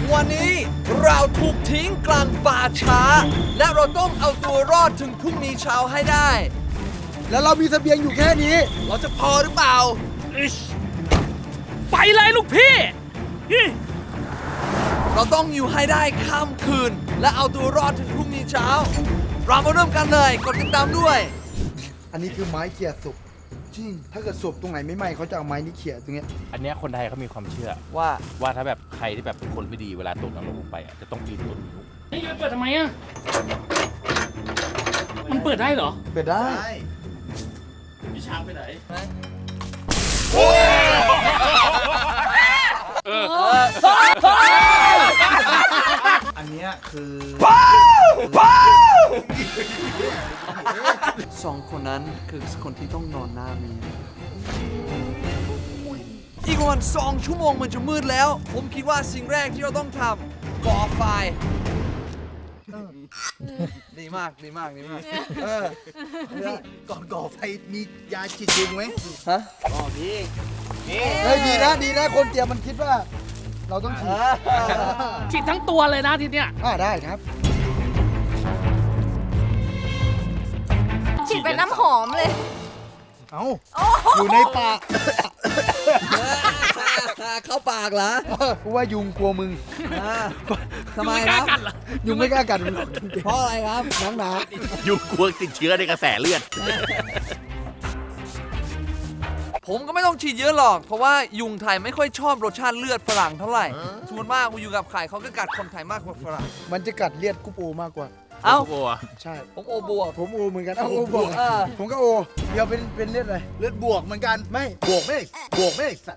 วันนี้เราถูกทิ้งกลางป่าช้า และเราต้องเอาตัวรอดถึงพรุ่งนี้เช้าให้ได้แล้วเรามีเสบียงอยู่แค่นี้เราจะพอหรือเปล่าไปเลยลูกพี่เราต้องอยู่ให้ได้ข้ามคืน และเอาตัวรอดถึงพรุ่งนี้เช้า เรามาเริ่มกันเลยกดติดตามด้วยอันนี้คือไม้เขี่ยศพจริง ถ้าเกิดศพตรงไหนไม่ไหม้เขาจะเอาไม้นี้เขี่ยตรงเนี้ยอันเนี้ยคนไทยเขามีความเชื่อว่าว่าถ้าแบบใครที่แบบเป็นคนไม่ดีเวลาตกนรกลงไปอ่ะจะต้องปีนต้นนิ้วนี่เปิดทำไมอ่ะ มันเปิดได้เหรอเปิดได้พี่ช้างไปไหนอันเนี้ยคือสองคนนั้นคือคนที่ต้องนอนหน้ามีอีกประมาณ2 ชั่วโมงมันจะมืดแล้ว ผมคิดว่าสิ่งแรกที่เราต้องทำก่อไฟดีมากดีมากดีมากก่อนก่อไฟมียาฉีดยุงไหมฮะเฮ้ยดีนะคนเตรียมมันคิดว่า เราต้องฉีดฉีดทั้งตัวเลยนะทีเนี้ยได้ครับฉีดเป็นน้ำหอมเลยเอาอยู่ในป่าเข้าปากเหรอกูว่ายุงกลัวมึงทำไมไม่คกล้ารับกัดเหรอยุงไม่กล้ากัดมึงเพราะอะไรครับน้ำหนายุงกลัวติดเชื้อในกระแสเลือดผมก็ไม่ต้องฉีดเยอะหรอก เพราะว่ายุงไทยไม่ค่อยชอบรสชาติเลือดฝรั่งเท่าไหร่ส่วนมากอยู่กับไข่เขาก็กัดคนไทยมากกว่าฝรั่งมันจะกัดเลียดกุ๊บโอมากกว่าเอ้ากลัวใช่ผมโอบวกผมโอเหมือนกัน โอบวกเออผมก็โอ เดี๋ยวเป็นเลือดอะไรเลือดบวกเหมือนกันไม่บวกไม่สัตว์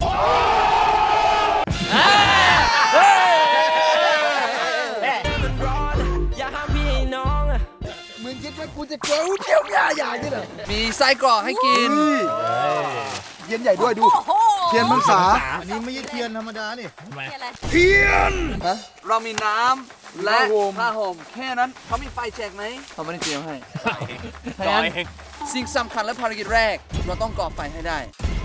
มึงคิดว่ากูจะเกลียวเที่ยวใหญ่ๆนี่เหรอมีไส้กรอกให้กินเทียนใหญ่ด้วยดู เทียนมังสาอันนี้ไม่ใช่เทียนธรรมดานี่เรามีน้ำและผ้าห่มผ้าห่มแค่นั้นเขามีไฟแจกไหมเขาไม่ได้เตรียมให้ต่อยเองสิ่งสำคัญและภารกิจแรก เราต้องก่อไฟให้ได้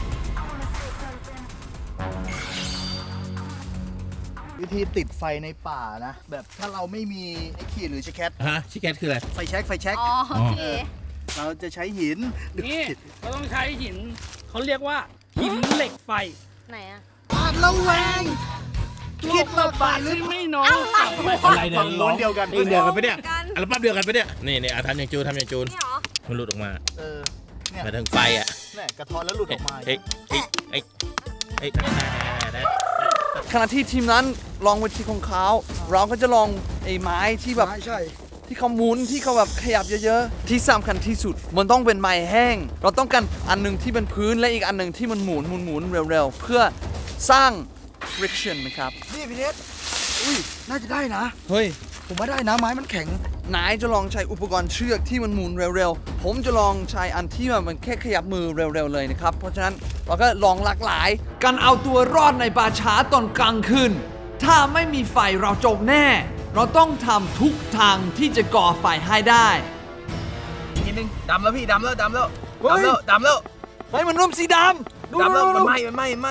วิธีติดไฟในป่านะ แบบถ้าเราไม่มีไอ้ขีดหรือชะแคทฮะชิคแกตคืออะไรไฟแช็กอ๋อโอเคเราจะใช้หินนี่เราต้องใช้หิน เขาเรียกว่าหินเหล็กไฟไหนอะระแวงคิดมาบาทที่ไม่น้อยอะไรเนี่ยฝั่งโน้นเดียวกันเดียวกันไปะเนี่ยกันอัลบั้มเดียวกันไปะเนี่ยนี่ทำอย่างจูนทำอย่างจูนนี่เหรอมันหลุดออกมาเนี่ยมาถึงไฟอ่ะเนี่ยกระท้อนแล้วหลุดออกมาเฮ้ยได้ขณะที่ทีมนั้นลองวิธีของเขาเราก็จะลองไอ้ไม้ที่แบบไม้ใช่ที่เขาหมุนที่เขาแบบขยับเยอะๆ ที่สำคัญที่สุด มันต้องเป็นไม้แห้ง เราต้องการอันหนึงที่เป็นพื้นและอีกอันหนึงที่มันหมุนเร็วๆ เพื่อสร้าง friction นะครับนี่พี่เนสอุ้ย น่าจะได้นะเฮ้ยผมว่าได้นะ ไม้มันแข็งนายจะลองใช้อุปกรณ์เชือกที่มันหมุนเร็วๆ ผมจะลองใช้อันที่มันแค่ขยับมือเร็วๆเลยนะครับ เพราะฉะนั้นเราก็ลองหลากหลาย การเอาตัวรอดในป่าช้าตอนกลางคืน ถ้าไม่มีไฟเราจบแน่ เราต้องทำทุกทางที่จะก่อไฟให้ได้นิดนึงดำแล้วพี่ดำแล้วเฮ้ยดำแล้วเฮ้ยมันเริ่มสีดำดูดำแล้วดูมันไหม้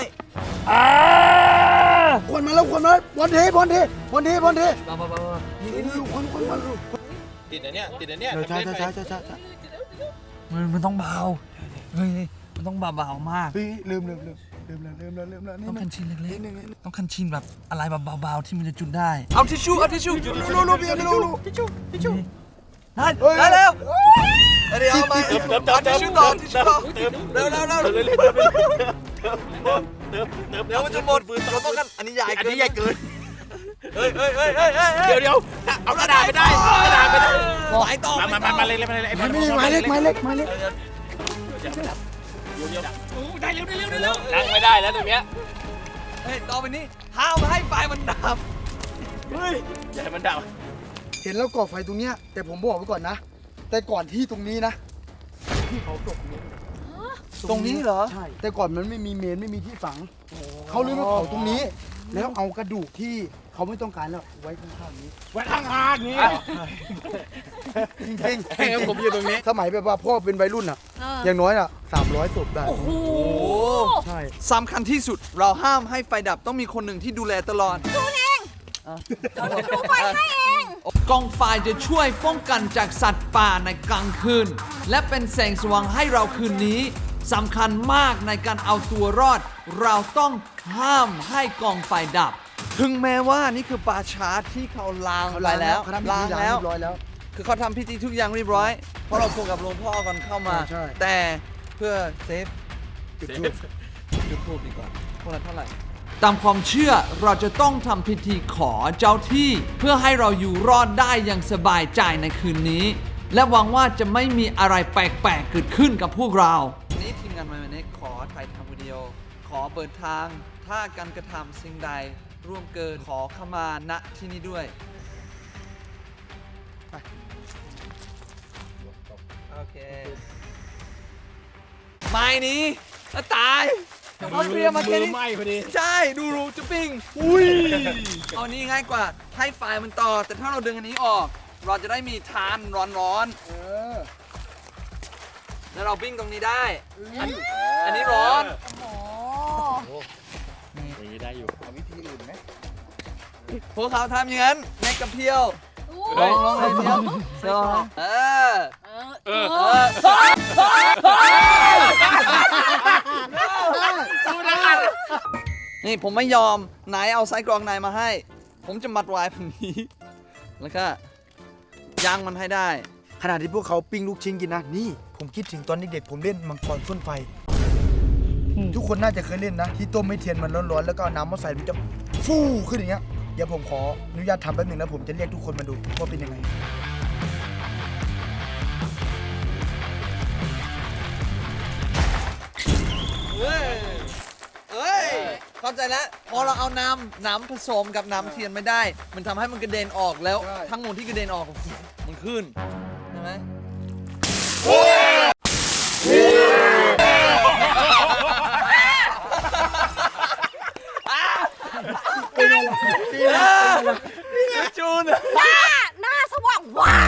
ควันมาแล้วควันมาบอลเทบอลเทบอลเทบอลเทนี่ควันควันติดอันเนี้ยติดอันเนี้ยใช่มันต้องเบา เฮ้ย มันต้องเบาๆมากเฮ้ยลืมแล้วต้องคันชินเล็กๆต้องคันชินแบบอะไรแบบเบาๆที่มันจะจุดได้ เอาทิชชู่ทิชชู่ลูพี่ไม่รู้ได้แล้วเดี๋ยวเอามาทิชชู่ต่อทิชชู่ต่อเร็วเดี๋ยวมันจะหมดเราต้องกันอันนี้ใหญ่เกินเฮ้ยเดี๋ยวเอากระดาษไปได้ไหลต่อมาเลยไม้เล็กได้เร็วนั่งไม่ได้แล้วตรงเนี้ยเฮ้ยต่อไปนี้ห้ามให้ไฟมันดับอย่าให้มันดับเห็นแล้วก่อไฟตรงเนี้ยแต่ผมบอกไว้ก่อนนะ แต่ก่อนที่ตรงนี้นะที่เขาตกตรงนี้เหรอใช่แต่ก่อนมันไม่มีเมนไม่มีที่ฝังเขาเลยมาเผาตรงนี้ แล้วเอากระดูกที่เขาไม่ต้องการแล้วไว้ข้างๆนี้ไว้ข้างๆนี้จริงให้ผมอยู่ตรงนี้สมัยแบบว่าพ่อเป็นวัยรุ่นอ่ะ อย่างน้อยอ่ะ300ศพได้โอ้โหใช่สำคัญที่สุดเราห้ามให้ไฟดับต้องมีคนหนึ่งที่ดูแลตลอดดูไฟให้เองกองไฟจะช่วยป้องกันจากสัตว์ป่าในกลางคืน และเป็นแสงสว่างให้เราคืนนี้สำคัญมากในการเอาตัวรอด เราต้องห้ามให้กองไฟดับ ถึงแม้ว่านี่คือป่าช้าที่เขาล้างเขาไปแล้วเขาทำพิธีล้างเรียบร้อยแล้วคือเขาทำพิธีทุกอย่างเรียบร้อย เพราะเราพูดกับหลวงพ่อก่อนเข้ามาใช่แต่เพื่อเซฟจุดทูบจุดทูบดีกว่าพวกนั้นเท่าไหร่ ตามความเชื่อเราจะต้องทำพิธีขอเจ้าที่ เพื่อให้เราอยู่รอดได้อย่างสบายใจในคืนนี้ และหวังว่าจะไม่มีอะไรแปลกๆเกิดขึ้นกับพวกเรานี้ทีมงานมาเน็กขอถ่ายทำวิดีโอ ขอเปิดทาง ถ้าการกระทำสิ่งใดร่วมเกินขอเข้ามาณที่นี้ด้วยโอเคไม่นี้แล้วตายเขาเตรียมมาแค่นี้ไหม้พอดีใช่ ดูรูจะปิ้งอุ้ยเอานี้ง่ายกว่าให้ไฟมันต่อ แต่ถ้าเราดึงอันนี้ออก เราจะได้มีทานร้อนๆแล้วเราปิ้งตรงนี้ได้ อันนี้ร้อนโอ้อย่างนี้ได้อยู่เอาวิธีอื่นไหมพวกเขาทำอย่างนั้นในกระเพียวโหลองเลยเพียวเออ นี่ผมไม่ยอมนายเอาไส้กรองนายมาให้ ผมจะมัดไว้แบบนี้ แล้วก็ย่างมันให้ได้ขณะที่พวกเขาปิ้งลูกชิ้นกินนะ นี่ผมคิดถึงตอนเด็กๆผมเล่นมังกรพ่นไฟ ทุกคนน่าจะเคยเล่นนะ ที่ต้มให้เทียนมันร้อนๆแล้วก็เอาน้ำมาใส่มันจะฟูขึ้นอย่างเงี้ย เดี๋ยวผมขออนุญาตทำแป๊บหนึงนะผมจะเรียกทุกคนมาดูว่าเป็นยังไงเอ้ย เข้าใจแล้ว พอเราเอาน้ำผสมกับน้ำเทียนไม่ได้ มันทำให้มันกระเด็นออกแล้วใช่ทั้งหมดที่กระเด็นออกมันขึ้น ใช่ไหม จูนหน้าสว่างว้าว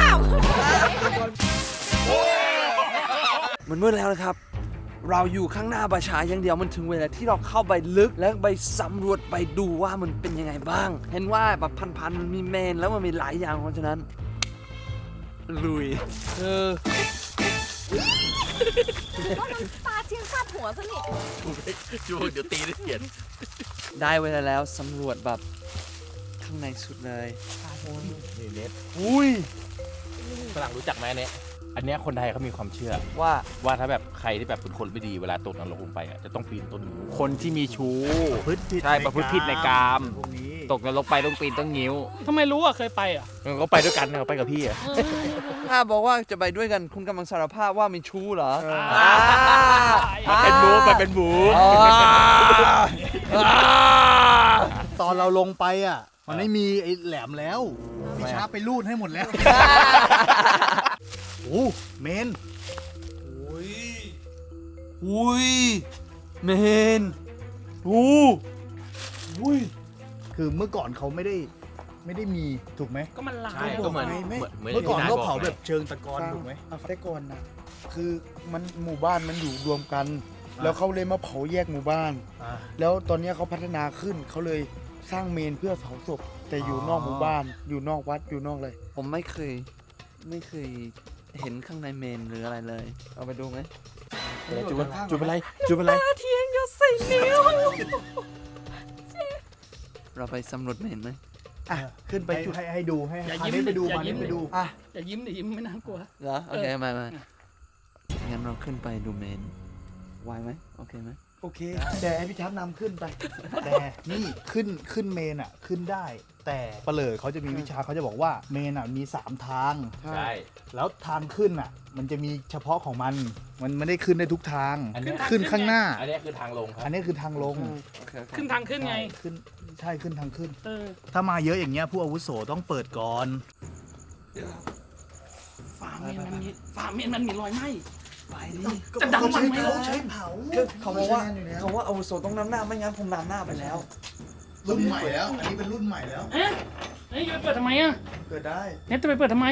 มันมืดแล้วนะครับ เราอยู่ข้างหน้าประชาอย่างเดียวมันถึงเวลาที่เราเข้าไปลึกและไปสำรวจไปดูว่ามันเป็นยังไงบ้าง เห็นว่าแบบพันๆมันมีเมนแล้วมันมีหลายอย่างเพราะฉะนั้นลุยปลาเทียนคาดหัวซะนี่จูเดี๋ยวตีได้เขียนได้เวลาแล้วสำรวจแบบข้างในสุดเลยนี่เน็ตอุ้ยฝรั่งรู้จักไหมเนี่ยอันเนี้ยคนไทยเขามีความเชื่อว่าถ้าแบบใครที่แบบเป็นคนไม่ดีเวลาตกนรกลงไปอ่ะจะต้องปีนต้นนิ้วคนที่มีชู้พฤติผิดใช่ประพฤติผิดในกามพวกนี้ตกนรกไปต้องปีนต้องงิ้วทำไมรู้อ่ะเคยไปอ่ะมันก็ไปด้วยกันเขาไปกับพี่อ่ะถ้าบอกว่าจะไปด้วยกันคุณกำลังสารภาพว่ามีชู้เหรอมันเป็นบูมันเป็นบูตอนเราลงไปอ่ะ มันไม่มีไอ้แหลมแล้วพี่ช้าไปรูดให้หมดแล้ว โอ้เมนอุ้ยเมนอุ้ยคือเมื่อก่อนเขาไม่ได้มีถูกไหมก็มันลาใช่ยก็เหมือนไม่เหมือนเมื่อก่อนที่ยเขาเผาไงแบบเชิงตะกอนถูกไหมแต่ก่อนนะคือมันหมู่บ้านมันอยู่รวมกัน แล้วเขาเลยมาเผาแยกหมู่บ้านอ่าแล้วตอนเนี้ยเขาพัฒนาขึ้นเขาเลยสร้างเมนเพื่อเผาศพแต่อยู่นอกหมู่บ้าน อยู่นอกวัดอยู่นอกอะไรผมไม่เคยเห็นข้างในเมนหรืออะไรเลย เอาไปดูไหมจูเป็นไรจูเป็นไรเทียนยศสี่นิ้วเราไปสำรวจเมนไหมอ่ะขึ้นไปไปจุดให้ดูให้อย่าพายิ้มเน็ตไปดูอย่าพายิ้เน็มตไปดูอ่ะอย่ายิ้มดิยิ้มไม่น่ากลัวเหรอ โอเคมางั้นเราขึ้นไปดูเมนไหวไหมโอเคไหมโอเค แต่ให้พี่ช้ำนำขึ้นไปแต่นี่ขึ้นเมนอ่ะขึ้นได้ แต่เปลอเขาจะมีวิชาเขาจะบอกว่าเมนอ่ะมี3ทางใช่แล้วทางขึ้นอ่ะ มันจะมีเฉพาะของมันไม่ได้ขึ้นได้ทุกทางอันเนี้ยขึ้นข้างหน้าอันเนี้ยคือทางลงครับอันนี้คือทางลงโอเคขึ้นทางขึ้นไงขึ้นใช่ขึ้นทางขึ้นเออถ้ามาเยอะอย่างเงี้ยผู้อาวุโสต้องเปิดก่อนฝาเมนมันมีรอยไหม้ไปดิจะดังมันไหมล่ะเขาบอกว่าเขาว่าอาวุโสต้องนำหน้าไม่งั้นผมนำหน้าไปแล้วรุ่นใหม่แล้ว อันนี้เป็นรุ่นใหม่แล้วเอ๊ะเฮ้ยจะไปเปิดทำไมอ่ะเกิดได้เน็ตจะไปเปิดทำไม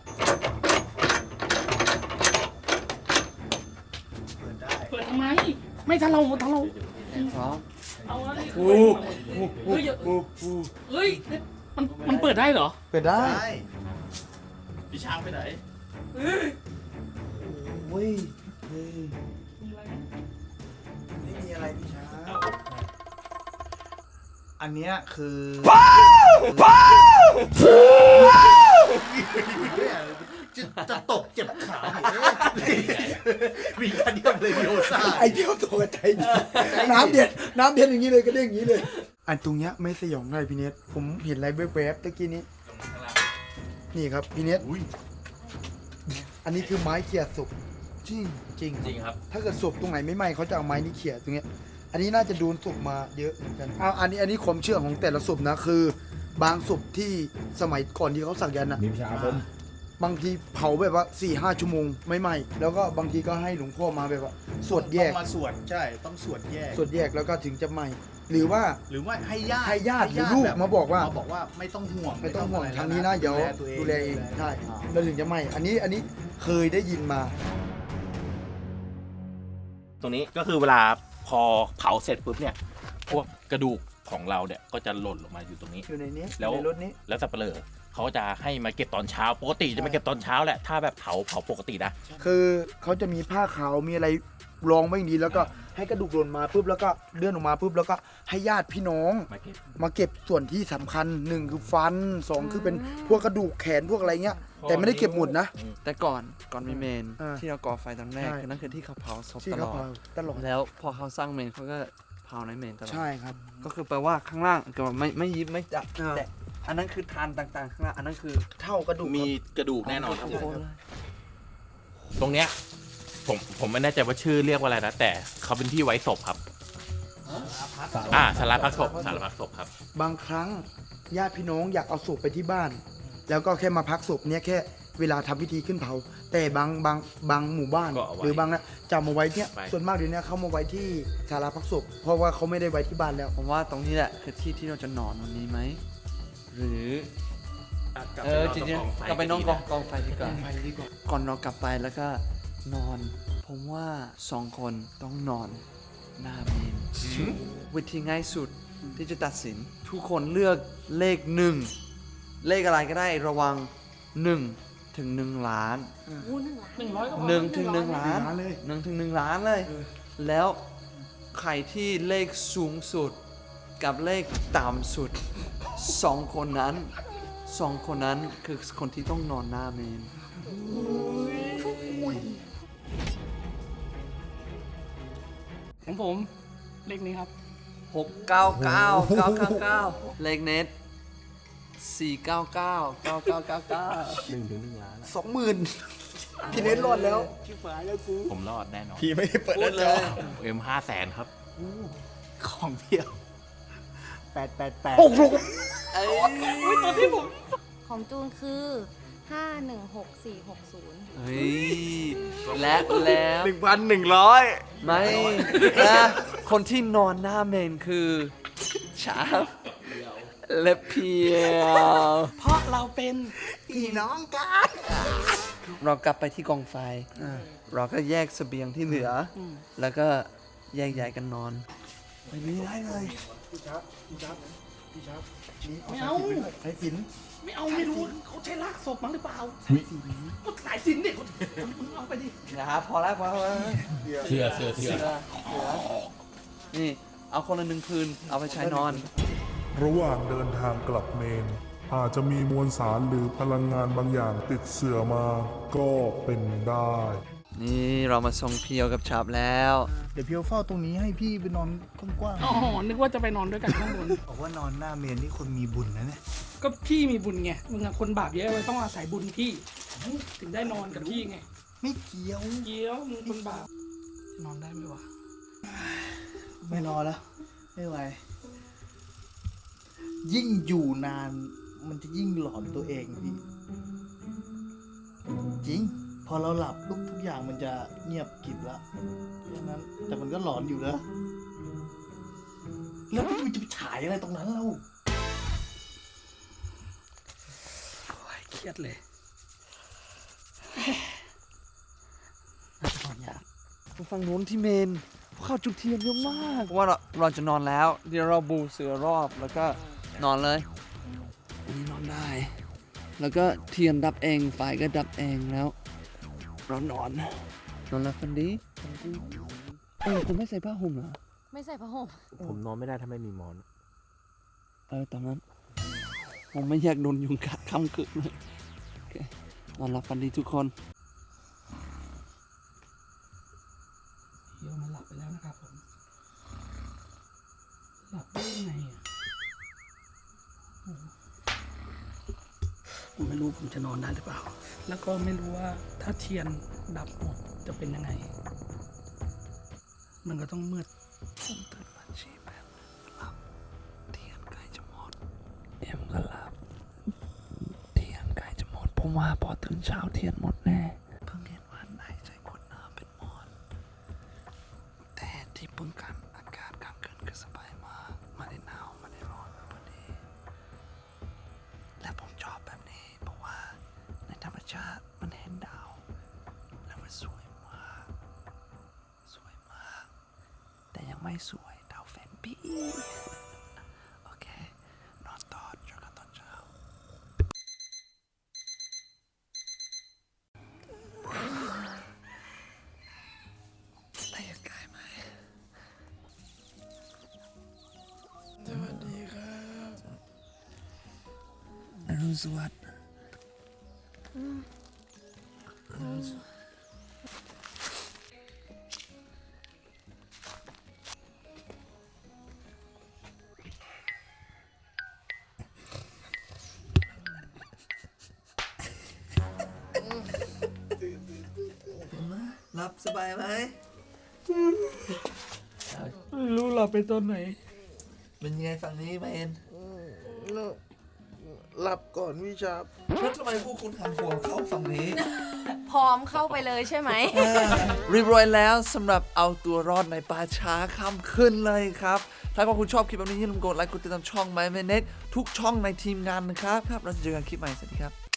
เปิดได้เปิดทำไม ไม่ถ้าเราพร้อมเอาอะไรเฮ้ยเฮ้ยเน็ตมันดได้เหรอเปิดได้พี่ช้างไปไหนโอ้ยไม่มีอะไรพี่ช้างอันเนี้ยคือจะตกเจ็บขามีการเดียมเลยโยซ่าไอเดียวตัวใจดีน้ำเด็ดอย่างนี้เลยก็เด้งอย่างนี้เลย อันตรงเนี้ยไม่สยองเลยพี่เนทผมเห็นอะไรแวบๆตะกี้นี้นี่ครับพี่เนทอันนี้คือไม้เขี่ยศพจริงจริงจริงครับถ้าเกิดศพตรงไหนไม่ไหม้เขาจะเอาไม้นี้เขี่ยตรงเนี้ยอันนี้น่าจะโดนศพมาเยอะเหมือนกันอันนี้ความเชื่อของแต่ละศพนะคือบางศพที่สมัยก่อนที่เขาสักยันต์นะมีวิชาอาคมบางทีเผาแบบว่า 4-5 ชั่วโมงไม่ไหม้แล้วก็บางทีก็ให้หลวงพ่อมาแบบว่าสวดแยกต้องมาสวดใช่ต้องสวดแยกสวดแยกแล้วก็ถึงจะไหม้หรือว่าหรือว่าให้ญาติให้ญาติหรือลูกแบบมาบอกว่าไม่ต้องห่วงไม่ต้องห่วงะไรทางนี้นะเดี๋ยวตัวดูแลเองใช่แล้วถึงจะไหม้อันนี้เคยได้ยินมาตรงนี้ก็คือเวลาพอเผาเสร็จปุ๊บเนี่ย พวกกระดูกของเราเนี่ยก็จะหล่นลงมาอยู่ตรงนี้อยู่ในนี้แล้วในรถนี้แล้วสับเปลือเขาจะให้มาเก็บตอนเช้า ปกติจะมาเก็บตอนเช้าแหละ ถ้าแบบเผาปกตินะคือเขาจะมีผ้าขาวมีอะไรรองไว้อย่างดีแล้วก็ให้กระดูกหล่นมาปุ๊บแล้วก็เลื่อนออกมาปุ๊บแล้วก็ให้ญาติพี่น้อง มาเก็บส่วนที่สำคัญ1คือฟัน2คือเป็นพวกกระดูกแขนพวกอะไรเงี้ยแต่ไม่ได้เก็บหมดนะแต่ก่อนมีเมนอ่าที่เราก่อไฟตอนแรกใช่คือนั่นคือที่เขาเผาศพที่ตลเขาอดเผาตลอดแล้วพอเขาสร้างเมนเขาก็เผาในเมนตลอดใช่ครับก็คือแปลว่าข้างล่างก็ไม่ยิบไม่จับอ่าแต่อันนั้นคือทานต่างๆข้างล่างอันนั้นคือเท่ากระดูกมีกระดูกแน่นอนครับทุกคนเลยตรงเนี้ยผมไม่แน่ใจว่าชื่อเรียกว่าอะไรนะ แต่เขาเป็นที่ไว้ศพครับสาราพักศพครับบางครั้งญาติพี่น้องอยากเอาศพไปที่บ้าน แล้วก็แค่มาพักศพเนี่ยแค่เวลาทำพิธีขึ้นเผา แต่บางหมู่บ้านก็เอาไว้หรือบางนะจะเอามาไว้เนี่ยไว้ส่วนมากเดี๋ยวนี้เขามาไว้ที่ศาลาพักศพเพราะว่าเขาไม่ได้ไว้ที่บ้านแล้วผมว่าตรงนี้แหละคือที่ที่เราจะนอนวันนี้ไหมหรือจริงๆกลับไปนอนกองไฟดีกว่าก่อนเรากลับไปแล้วก็นอน ผมว่า2 คนต้องนอนหน้าเมนวิธีง่ายสุดที่จะตัดสิน ทุกคนเลือกเลข 1 เลขอะไรก็ได้ระวัง1 ถึง 1 ล้านอู้1,000,000 100 ก็พอ 1 ถึง 1 ล้านล้านเลย 1 ถึง 1 ล้านเลย แล้วใครที่เลขสูงสุดกับเลขต่ำสุด 2 คนนั้นคือคนที่ต้องนอนหน้าเมนของผมเลขนี้ครับ 699 เลขเน็ต499 9999 20,000พี่เนทรอดแล้วผมรอดแน่นอนพี่ไม่ได้เปิดพูดเลย 500,000 ครับของเพียว888 โอ้โหเอ้ยของจูนคือ 516460 เฮ้ยและแล้ว 1,100 ไม่นะคนที่นอนหน้าเมนคือชาฟและเพียวเพราะเราเป็นพี่น้องกันเรากลับไปที่กองไฟ เราก็แยกเสบียงที่เหลืออแล้วก็แยกย้ายกันนอนไม่มีได้เลยพี่ชับนี่ไม่เอาใช้สินไม่เอาไม่รู้เขาใช้ลากศพมั้งหรือเปล่าก็สายสินเด็กเอาไปดินะครับพอแล้วเชื่อนี่ เอาคนละ1 คืน เอาไปใช้นอนระหว่างเดินทางกลับเมน อาจจะมีมวลสารหรือพลังงานบางอย่างติดเสื่อมาก็เป็นได้นี่เรามาส่งเพียวกับชาบแล้วเดี๋ยวเพียวเฝ้าตรงนี้ให้พี่ไปนอนกว้างอ๋อนึกว่าจะไปนอนด้วยกันข้างบนๆบอกว่านอนหน้าเมนนี่คนมีบุญนะเนี่ยก็พี่มีบุญไงมึงอะคนบาปเยอะเลยต้องอาศัยบุญพี่ ถึงได้นอนกับพี่ไงไม่เกี่ยวเกี้ยวมึงคนบาปนอนได้ไหมวะไม่รอแล้ว ไม่ไหว ยิ่งอยู่นาน มันจะยิ่งหลอนตัวเองพี่ จริง พอเราหลับทุกอย่างมันจะเงียบกริบละดังนั้น แต่มันก็หลอนอยู่นะ แล้วพี่จะไปฉายอะไรตรงนั้นเราเครียดเลยฝั่งนู้นที่เมนพวกเขาจุดเทียนเยอะมากเพราะว่าเราจะนอนแล้ว เดี๋ยวเราบูเสือรอบแล้วก็นอนเลยนอนได้ แล้วก็เทียนดับเองไฟก็ดับเองแล้วเรานอนหลับฝันดีคุณไม่ใส่ผ้าห่มเหรอไม่ใส่ผ้าห่มผมนอนไม่ได้ถ้าไม่มีหมอนตอนนั้นผมไม่อยากโดนยุงกัดค่ำคืนเลยโอเคนอนหลับฝันดีทุกคนเดี๋ยวมันหลับไปแล้วนะครับผม หลับได้ยังไงอ่ะโอ้โหผมไม่รู้ผมจะนอนได้หรือเปล่า แล้วก็ไม่รู้ว่าถ้าเทียนดับหมดจะเป็นยังไง มันก็ต้องมืดผมตื่นมาชีแป๊บหลับเทียนใกล้จะหมดเอ็มก็หลับเทียนใกล้จะหมดผมว่าพอตื่นเช้าเทียนหมดแน่เพิ่งเห็นว่าไหนใส่ขวดน้ำเป็นหมอนแต่ที่ป้องกันอากาศกลางคืนก็สบายมากไม่ได้หนาวไม่ได้ร้อนพอดีและผมชอบแบบนี้เพราะว่าในธรรมชาติมันเห็นดาวแล้วมันสวยมากสวยมาก แต่ยังไม่สวยดาวแฟนพี่โอเค นอนต่อเจอกันตอนเช้าได้ยังไงไหมสวัสดีครับอรุณสวัสดิ์หลับสบายไหมไม่รู้หลับไปตอนไหนเป็นยังไงฝั่งนี้มาเอ็นหลับก่อนวิชาแล้วทำไมพวกคุณหันหัวเข้าฝั่งนี้พร้อมเข้าไปเลยใช่ไหมเรียบร้อยแล้วสำหรับเอาตัวรอดในป่าช้าค่ำขึ้นเลยครับ ถ้าคุณชอบคลิปแบบนี้อย่าลืมกดไลค์กดติดตามช่อง My Minute ทุกช่องในทีมงานนะครับเราจะเจอกันคลิปใหม่สวัสดีครับ